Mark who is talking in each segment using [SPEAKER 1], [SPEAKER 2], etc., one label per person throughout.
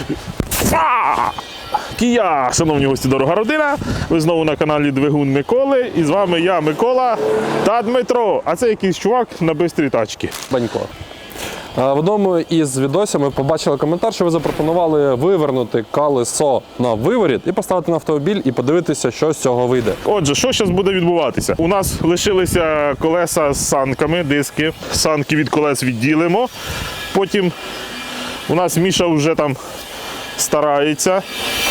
[SPEAKER 1] Кія! Шановні гості, дорога родина, ви знову на каналі Двигун Миколи, і з вами я, Микола та Дмитро, а це якийсь чувак на бистрій тачці.
[SPEAKER 2] Банько. В одному із відосів ми побачили коментар, що ви запропонували вивернути колесо на виворіт і поставити на автомобіль і подивитися, що з цього вийде.
[SPEAKER 1] Отже, що зараз буде відбуватися? У нас лишилися колеса з санками, диски. Санки від колес відділимо. Потім у нас Міша вже там старається.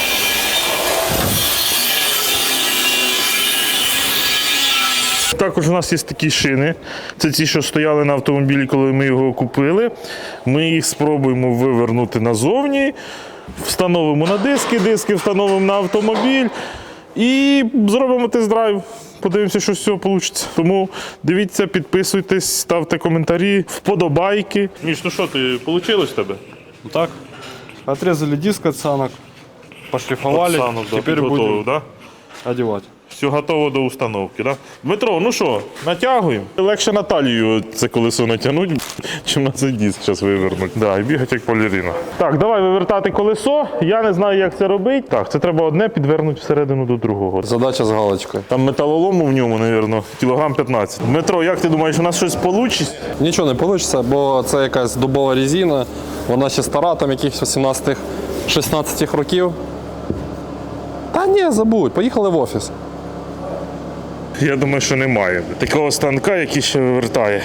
[SPEAKER 1] Також у нас є такі шини. Це ті, що стояли на автомобілі, коли ми його купили. Ми їх спробуємо вивернути назовні, встановимо на диски, диски встановимо на автомобіль і зробимо тест-драйв. Подивимося, що з цього вийде. Тому дивіться, підписуйтесь, ставте коментарі, вподобайки. Міш, ну що, вийшло в тебе?
[SPEAKER 3] Ну так, отрезали диск от санок, пошлифовали,
[SPEAKER 1] Санок, да,
[SPEAKER 3] теперь
[SPEAKER 1] підготовив,
[SPEAKER 3] будем
[SPEAKER 1] да?
[SPEAKER 3] одевать.
[SPEAKER 1] Все готово до установки, да? Дмитро, ну що, натягуємо? Легше на талію це колесо натягнути, чим на цей диск зараз вивернути. Да, і бігати як балерина. Так, давай вивертати колесо. Я не знаю, як це робити. Так, це треба одне підвернути всередину до другого.
[SPEAKER 2] Задача з галочкою.
[SPEAKER 1] Там металолому в ньому, мабуть, кілограм 15. Дмитро, як ти думаєш, у нас щось вийде?
[SPEAKER 2] Нічого не вийде, бо це якась дубова резина, вона ще стара, там якихось 18-16 років. Та ні, забудь, поїхали в офіс.
[SPEAKER 1] Я думаю, що немає такого станка, який ще вивертає.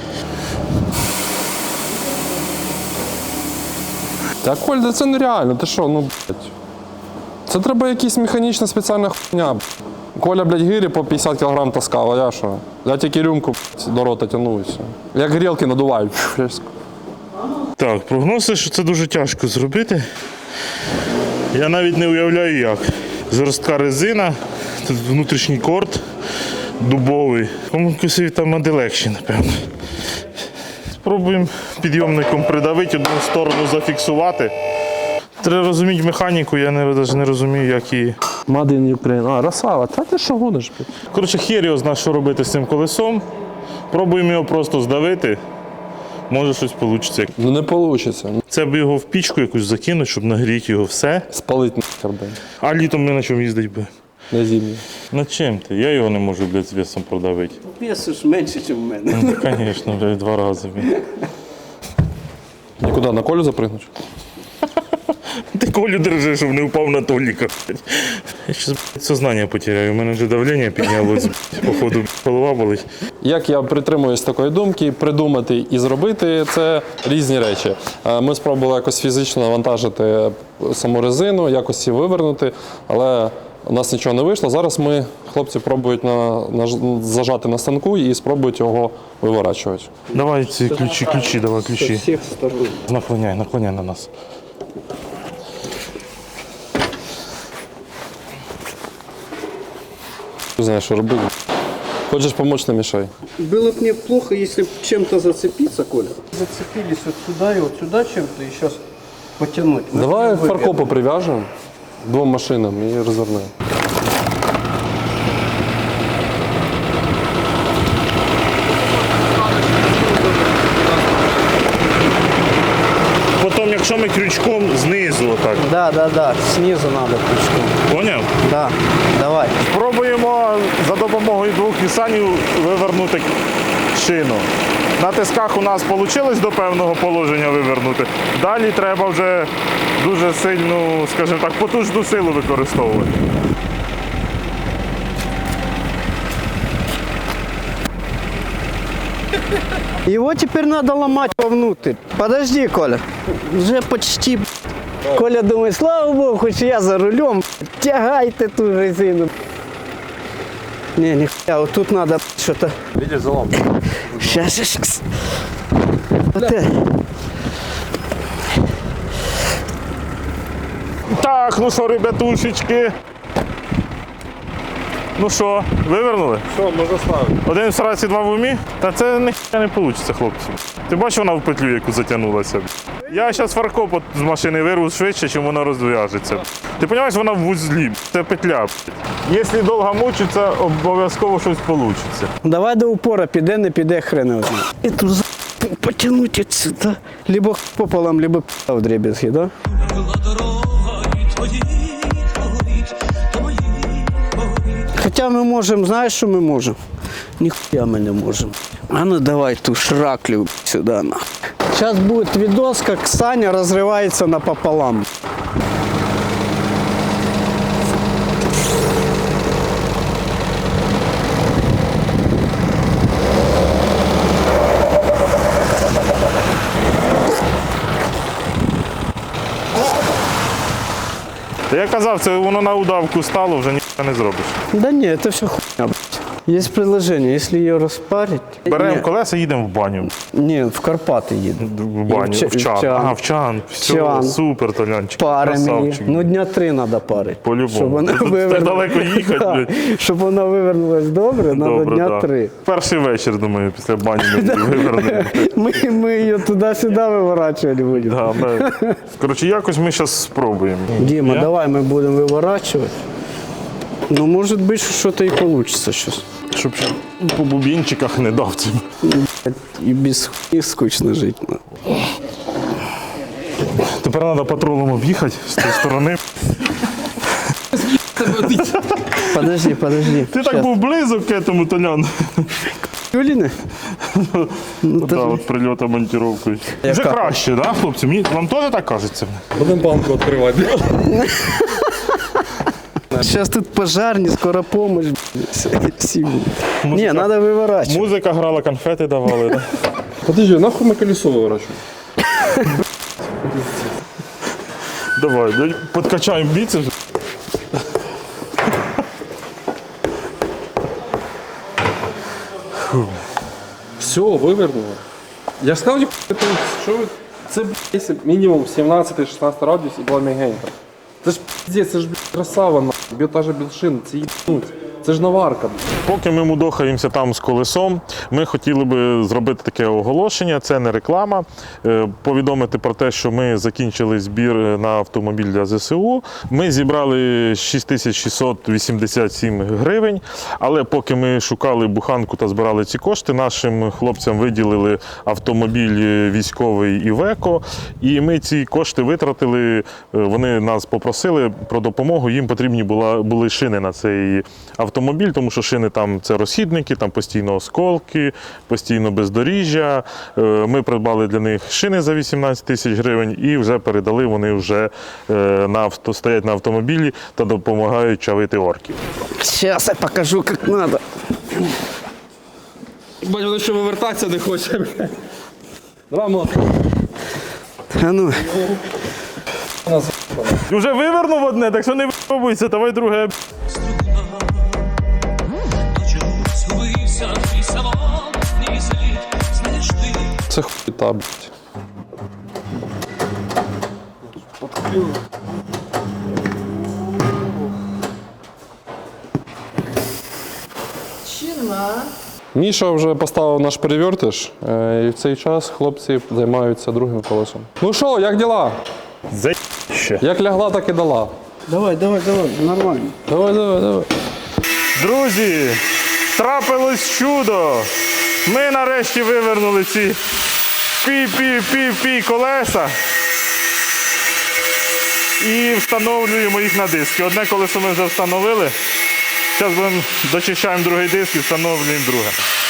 [SPEAKER 2] Та Коль, да це нереально, ти що, ну, блядь. Це треба якась механічна спеціальна хуйня. Коля, блядь, гирі по 50 кг таскав, а я що? Я тільки рюмку блядь, до рота тягну і все. Як грілки надуваю.
[SPEAKER 1] Так, прогнози, що це дуже тяжко зробити. Я навіть не уявляю як. Жорстка резина, тут внутрішній корд дубовий. Комусь там буде легше, напевно. Спробуємо підйомником придавити, одну сторону зафіксувати. Треба розуміти механіку, я навіть не розумію, як її.
[SPEAKER 2] Made in Ukraine. А, Росава, та ти що гониш?
[SPEAKER 1] Коротше, хер його знає, що робити з цим колесом. Пробуємо його просто здавити. Може щось вийде.
[SPEAKER 2] Ну не вийде.
[SPEAKER 1] Це б його в пічку якусь закинути, щоб нагріти його все.
[SPEAKER 2] Спалить нахер, блядь.
[SPEAKER 1] А літом не на чому їздить би.
[SPEAKER 2] На зимі.
[SPEAKER 1] На чим ти? Я його не можу, блядь, з весом продавити.
[SPEAKER 4] Вес ж менше, ніж в мене.
[SPEAKER 1] Ну, звісно, блядь, 2 рази.
[SPEAKER 2] Нікуди, на Колю запригнуть?
[SPEAKER 1] Ти Колю держи, щоб не впав на Толіка. Я зараз сознання потеряю, у мене вже давлення піднялось, походу голова болить.
[SPEAKER 2] Як я притримуюсь такої думки, придумати і зробити – це різні речі. Ми спробували якось фізично навантажити саму резину, якось її вивернути, але у нас нічого не вийшло. Зараз хлопці пробують зажати на станку і спробують його виворачувати.
[SPEAKER 1] Давай ці ключі, давай ключі.
[SPEAKER 4] Всіх сторон.
[SPEAKER 1] Наклоняй на нас.
[SPEAKER 2] Не знаю, що робити. Хочеш допомогти, не мішай.
[SPEAKER 4] Было бы мне плохо, если бы чем-то зацепиться, Коля. Зацепились вот сюда и вот сюда чем-то и сейчас потянуть.
[SPEAKER 2] Давай фаркопу прив'яжемо 2 машинам і розвернемо.
[SPEAKER 1] Потім, якщо ми крючком знизу отак.
[SPEAKER 4] Да, снизу надо крючком.
[SPEAKER 1] Поняв?
[SPEAKER 4] Да, давай.
[SPEAKER 1] Спробуємо за допомогою 2 нісанів вивернути шину. На тисках у нас вийшло до певного положення вивернути. Далі треба вже дуже сильну, скажімо так, потужну силу використовувати.
[SPEAKER 4] Его теперь надо ломать вовнутрь. Подожди, Коля. Уже почти. Коля думает, слава богу, хоть я за рулем. Тягайте ту резину. Не, нихуя, вот тут надо что-то.
[SPEAKER 2] Видиш, залом.
[SPEAKER 4] Сейчас. Вот это.
[SPEAKER 1] Так, ну що, ребятушечки. Ну що, вивернули?
[SPEAKER 2] Що, можна ставити?
[SPEAKER 1] Один в сраці, 2 в умі? Та це не вийде, хлопці. Ти бачиш, вона в петлю, яку затягнулася? Я зараз фаркоп з машини вирву швидше, чим вона розв'яжеться. Ти розумієш, вона в вузлі, це петля. Якщо довго мучиться, обов'язково щось вийде.
[SPEAKER 4] Давай до упора, піде, не піде, хрен його знає. І тут потягнути отсюда. Либо пополам, либо в дребезги, да?
[SPEAKER 5] була дорога і твоїх воріт, до моїх воріт.
[SPEAKER 4] Хоча ми можемо, знаєш, що ми можемо? Ніхуя ми не можемо. А ну давай ту шраклю сюди. Зараз буде відос, як Саня розривається напополам.
[SPEAKER 1] Та я казав, це воно на удавку стало, вже нічого не зробиш.
[SPEAKER 4] Да ні, це все хуйня, блядь. Є приложення, якщо її розпарить.
[SPEAKER 1] Беремо колеса, їдемо в баню.
[SPEAKER 4] Ні, в Карпати їду.
[SPEAKER 1] В баню, в чан. Ага, в чан. Все,
[SPEAKER 4] Чан.
[SPEAKER 1] супер, Толянчик.
[SPEAKER 4] Паримо її.
[SPEAKER 1] Красавчик.
[SPEAKER 4] Ну, дня 3 треба парити.
[SPEAKER 1] По-любому.
[SPEAKER 4] Щоб вона
[SPEAKER 1] Тут
[SPEAKER 4] вивернула-
[SPEAKER 1] далеко їхати,
[SPEAKER 4] Да.
[SPEAKER 1] блядь.
[SPEAKER 4] Щоб вона вивернулась добре, треба
[SPEAKER 1] Добре,
[SPEAKER 4] дня
[SPEAKER 1] да.
[SPEAKER 4] 3.
[SPEAKER 1] Перший вечір, думаю, після бані ми її вивернемо.
[SPEAKER 4] Ми її туди-сюди виворачувати будемо.
[SPEAKER 1] Да, коротше, якось ми зараз спробуємо.
[SPEAKER 4] Діма,
[SPEAKER 1] Я?
[SPEAKER 4] давай ми будемо виворачувати. Ну, може бути, що щось і вийде зараз.
[SPEAKER 1] Щоб ще по бубінчиках не дав цим.
[SPEAKER 4] І без хуйні скучно жити. Ну.
[SPEAKER 1] Тепер треба патрулом об'їхати з тієї сторони.
[SPEAKER 4] Подожди.
[SPEAKER 1] Ти так був близок к этому, Толян.
[SPEAKER 4] Юліни?
[SPEAKER 1] Да, от прильота монтировкою. Вже
[SPEAKER 4] Яка?
[SPEAKER 1] краще, да, хлопці? Вам теж так кажеться?
[SPEAKER 2] Будемо банку відкривати.
[SPEAKER 4] Зараз тут пожарні, скоро помощь. Всі. Ні, треба виворачувати.
[SPEAKER 1] Музика грала, конфети давали. Да?
[SPEAKER 2] Подожди, нахуй ми колесо виворачуємо?
[SPEAKER 1] Давай, подкачаємо біцепс.
[SPEAKER 2] Все, вивернуло. Я ж сказав, що ви... Це блядь, мінімум 17-16 радіус і була мігенька. Це ж піздець, це ж блядь, красава, нахуй. Біотажа білшин, це їбнуть. Це ж наварка.
[SPEAKER 1] Поки ми мудохаємося там з колесом, ми хотіли би зробити таке оголошення, це не реклама, повідомити про те, що ми закінчили збір на автомобіль для ЗСУ. Ми зібрали 6687 гривень, але поки ми шукали буханку та збирали ці кошти, нашим хлопцям виділили автомобіль військовий Івеко, і ми ці кошти витратили, вони нас попросили про допомогу, їм потрібні були шини на цей автомобіль, тому що шини там це розхідники, там постійно осколки, постійно бездоріжжя. Ми придбали для них шини за 18 тисяч гривень і вже передали, вони вже стоять на автомобілі та допомагають чавити орків.
[SPEAKER 4] Зараз я покажу, як треба.
[SPEAKER 2] Бать, воно ще вивертатися не хоче. Давай, молодець.
[SPEAKER 4] А ну,
[SPEAKER 1] Вже вивернув одне, так що не випробуйся, давай друге.
[SPEAKER 5] До чого згубився твій самотній слід, знаєш ти.
[SPEAKER 2] Це хуйта, блядь. Міша вже поставив наш перевертиш, і в цей час хлопці займаються другим колесом. Ну що, як діла?
[SPEAKER 1] Заще.
[SPEAKER 2] Як лягла, так і дала.
[SPEAKER 4] давай, нормально.
[SPEAKER 2] Давай.
[SPEAKER 1] Друзі, трапилось чудо. Ми нарешті вивернули ці пі колеса і встановлюємо їх на диски. Одне колесо ми вже встановили. Зараз дочищаємо другий диск і встановлюємо друге.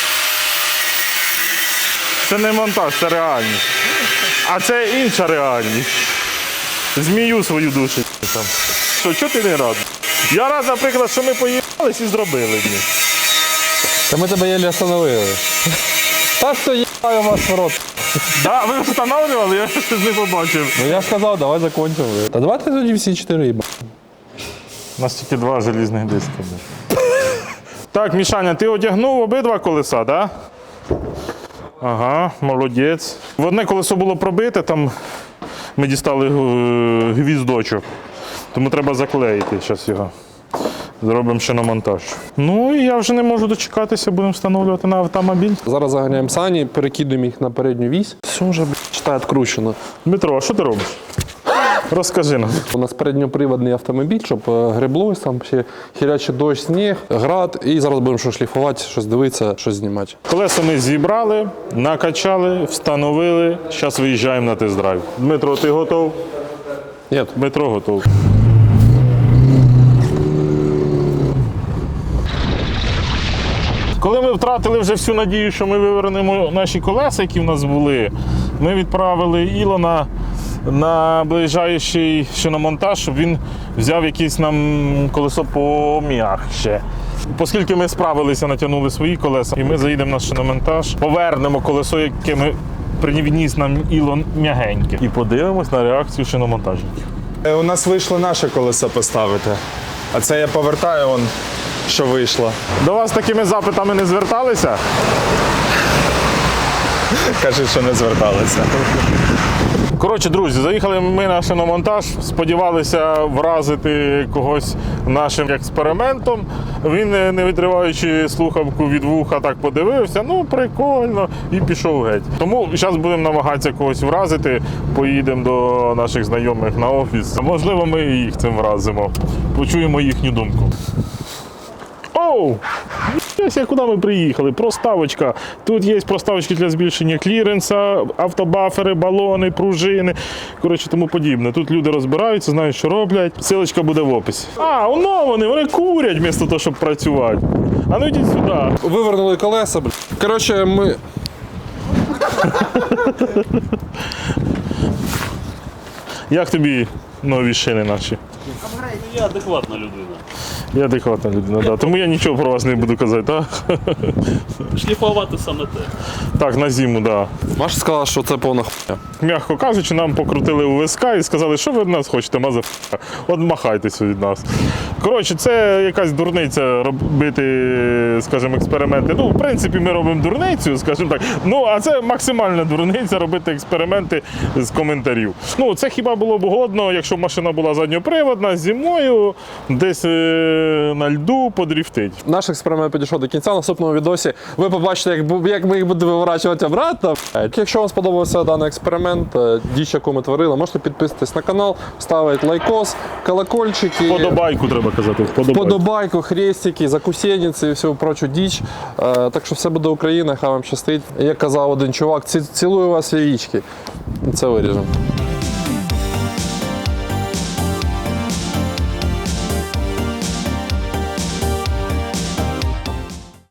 [SPEAKER 1] Це не монтаж, це реальність. А це інша реальність. Змію свою душу там. Що, чого ти не радий? Я рад, наприклад, що ми поїхались і зробили. Блін.
[SPEAKER 2] Та ми тебе єлі остановили. Та що їбаю вас в рот.
[SPEAKER 1] Да, ви встановлювали, я щось не побачив.
[SPEAKER 2] Ну я ж сказав, давай закончимо. Та давайте тоді всі 4 їба.
[SPEAKER 1] У нас тільки 2 желізних диски. Так, Мішаня, ти одягнув обидва колеса, так? Да? Ага, молодець. В одне колесо було пробите, там ми дістали гвіздочок. Тому треба заклеїти зараз його. Зробимо ще на монтаж. Ну і я вже не можу дочекатися, будемо встановлювати на автомобіль.
[SPEAKER 2] Зараз заганяємо сані, перекидуємо їх на передню вісь. Все вже, читай, відкручено.
[SPEAKER 1] Дмитро, а що ти робиш? Розкажи нам.
[SPEAKER 2] У нас передньоприводний автомобіль, щоб греблось, там ще хірячий дощ, сніг, град. І зараз будемо щось шліфувати, щось дивитися, щось знімати.
[SPEAKER 1] Колеса ми зібрали, накачали, встановили. Зараз виїжджаємо на тест-драйв. Дмитро, ти готов?
[SPEAKER 2] Ні.
[SPEAKER 1] Метро готове. Коли ми втратили вже всю надію, що ми вивернемо наші колеса, які в нас були, ми відправили Ілона на ближайший шиномонтаж, щоб він взяв якесь нам колесо пом'якше. Оскільки ми справилися, натягнули свої колеса, і ми заїдемо на шиномонтаж, повернемо колесо, яке ми приніс нам Ілон м'ягеньке, і подивимось на реакцію шиномонтажників.
[SPEAKER 6] У нас вийшло наше колесо поставити. А це я повертаю, що вийшло.
[SPEAKER 1] До вас такими запитами не зверталися?
[SPEAKER 6] Кажуть, що не зверталися.
[SPEAKER 1] Коротше, друзі, заїхали ми на шиномонтаж, сподівалися вразити когось нашим експериментом. Він, не відриваючи слухавку від вуха, так подивився, ну прикольно, і пішов геть. Тому зараз будемо намагатися когось вразити, поїдемо до наших знайомих на офіс. Можливо, ми і їх цим вразимо. Почуємо їхню думку. Оу! Ось куди ми приїхали. Проставочка. Тут є проставочки для збільшення кліренса, автобафери, балони, пружини, коротше, тому подібне. Тут люди розбираються, знають, що роблять. Силочка буде в описі. А, воно вони курять вмісто того, щоб працювати. А ну йдіть сюди.
[SPEAKER 2] Вивернули колеса, блядь. Коротше, ми...
[SPEAKER 1] Як тобі нові шини наші?
[SPEAKER 7] Я адекватна людина.
[SPEAKER 1] Я адекватна людина, да. Тому я нічого про вас не буду казати, так?
[SPEAKER 7] Шліфувати саме те.
[SPEAKER 1] Так, на зиму, так. Да.
[SPEAKER 2] Маша сказала, що це повна хуйня.
[SPEAKER 1] М'яко кажучи, нам покрутили у виска і сказали, що ви від нас хочете, мазаф***а. От махайтеся від нас. Коротше, це якась дурниця робити, скажімо, експерименти. Ну, в принципі, ми робимо дурницю, скажімо так. Ну, а це максимальна дурниця робити експерименти з коментарів. Ну, це хіба було б годно, якщо машина була задньоприводна, зимою, десь на льду подріфтить.
[SPEAKER 2] Наш експеримент підійшов до кінця. В наступному відосі ви побачите, як ми їх будемо виворачувати обратно. Якщо вам сподобався даний експеримент, діч, яку ми творили, можете підписатись на канал, ставити лайкос, колокольчики.
[SPEAKER 1] Подобайку треба казати.
[SPEAKER 2] Подобайку, хрестики, закусєнниці і всю прочу діч. Так що все буде Україна, хай вам щастить. Як казав один чувак, цілую вас яєчки. Це виріжемо.